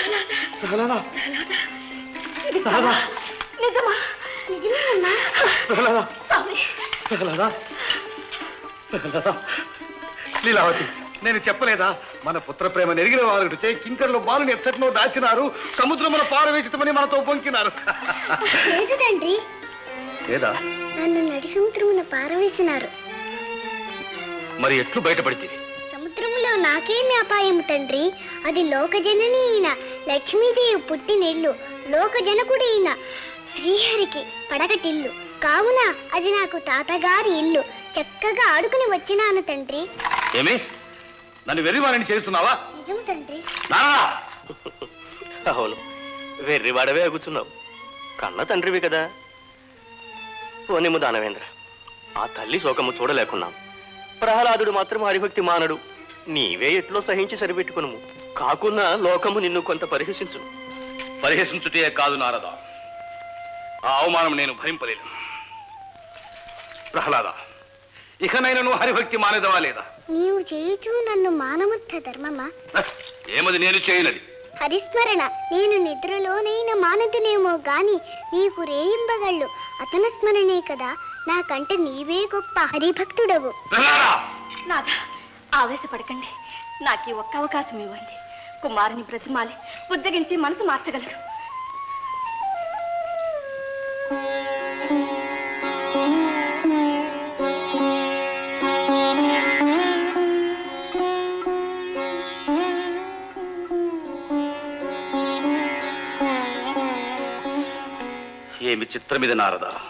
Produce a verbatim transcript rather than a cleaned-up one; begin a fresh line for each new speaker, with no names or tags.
ప్రహ్లాద ప్రహ్లాద
నిజమా నిజమేనన్నా
ప్రహ్లాద
స్వామి
ప్రహ్లాద ప్రహ్లాద లీలావతి నేను చెప్పలేదా మన పుత్ర ప్రేమ నెరిగిన వారు చే కింకర్లు బాలుని ఎచ్చటినో దాచినారు సముద్రమున పారవేసితమని మనతో పొంకినారు
లేదు తండ్రి
లేదా
నన్ను నడి సముద్రమున పారవేసినారు
మరి ఎట్లు బయటపడితే
సముద్రములో నాకేమి అపాయము తండ్రి అది లోకజనని అయిన లక్ష్మీదేవి పుట్టినిల్లు లోకజనకుడి అయిన శ్రీహరికి పడగటిల్లు కావున అది నాకు తాతగారి ఇల్లు చక్కగా ఆడుకుని వచ్చినాను తండ్రి
ఏమి నన్ను వెర్రివాడిని చేస్తున్నావా
నిజము తండ్రి
అవును వెర్రివాడవే అగుచున్నావు కన్న తండ్రివి కదా పోనిము దానవేంద్ర ఆ తల్లి శోకము చూడలేకున్నాం ప్రహ్లాదుడు మాత్రం హరిభక్తి మానడు నీవే ఎట్లో సహించి సరిపెట్టుకును కాకున్నా లోకము నిన్ను కొంత పరిహసించును
పరిహసించుటే కాదు నారద ఆ అవమానం నేను భరింపలేను ప్రహ్లాద ఇకనైనా నువ్వు హరిభక్తి మానేదవా లేదా
నీవు చేయుచు నన్ను మానవత్త ధర్మమా
ఏమది నేను చేయనది
హరిస్మరణ నేను నిద్రలోనైనా మానదునేమో గాని నీకు రేయింబగళ్ళు అతన స్మరణే కదా నాకంటే నీవే గొప్ప హరిభక్తుడవు
నాథ ఆవేశపడకండి నాకు ఈ ఒక్క అవకాశం ఇవ్వండి కుమారుని బ్రతిమాలి ఉజ్జగించి మనసు మార్చగలరు
ఏమి చిత్రమిది నారద